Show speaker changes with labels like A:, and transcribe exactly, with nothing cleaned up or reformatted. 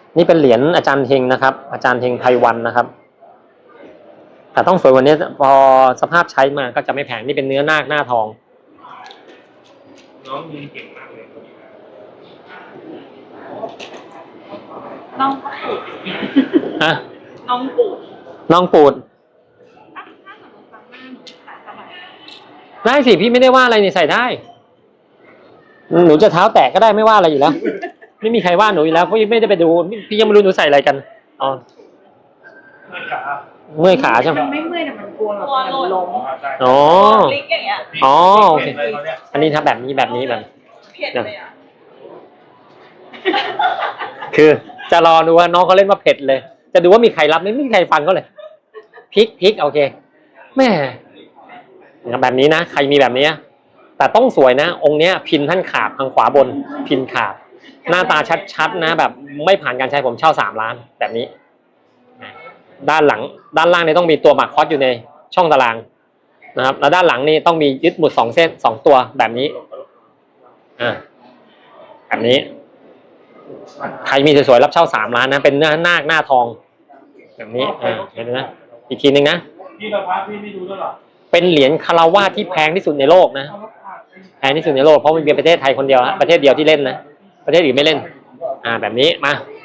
A: นี่เป็นเหรียญอาจารย์เฮงนะครับอาจารย์เฮงไพวันนะครับแต่ต้องสวยกว่านี้พอสภาพใช้มาก็จะไม่แพงนี่เป็นเนื้อนาคหน้าทอง
B: น้องยืนเก่งมากเลย
C: น้องปูด
A: ฮะ
C: น้องปูด
A: น้องปูดได้สิพี่ไม่ได้ว่าอะไรนี่ใส่ได้หนูจะเท้าแตกก็ได้ไม่ว่าอะไรอยู่แล้วไม่มีใครว่าหนูอยู่แล้วเพราะไม่ได้ไปดูพี่ยังไม่รู้หนูใส่อะไรกันอ๋อเมื่อยขาใช่ไหม
C: มันไม่เมื่อยแต่มันกลัวแบบมันล้ม
A: อ๋อ
C: ลิกอย่างเงี้ย
A: อ๋อโอเคอันนี้ถ้าแบบนี้แบบนี้แบบ
C: เผ็ดเลยอ่ะ
A: คือจะรอดูว่าน้องเขาเล่นว่าเผ็ดเลยจะดูว่ามีใครรับไม่มีใครฟังเขาเลยพริกพริกโอเคแม่แบบนี้นะใครมีแบบนี้แต่ต้องสวยนะองค์เนี้ยพินท่านขาดทางขวาบนพินขาดหน้าตาชัดๆนะแบบไม่ผ่านการใช้ผมเช่าสามล้านแบบนี้ด้านหลังด้านล่างนี่ต้องมีตัวหมากคอสอยู่ในช่องตารางนะครับแล้วด้านหลังนี่ต้องมียึดหมุดสองเส้นสองตัวแบบนี้อ่าแบบนี้ใครมีสวยๆรับเช่าสามล้านนะเป็นเนื้อนาคหน้าทองแบบนี้อ่าเห็นไหมอีกทีหนึ่งนะ
B: พี่ละพักพี่ไม่ดูด้วยหรอ
A: เป็นเหรียญคารวาสที่แพงที่สุดในโลกนะแพงที่สุดในโลกเพราะมันเป็นประเทศไทยคนเดียวฮะประเทศเดียวที่เล่นนะประเทศอื่นไม่เล่นอ่าแบบนี้มา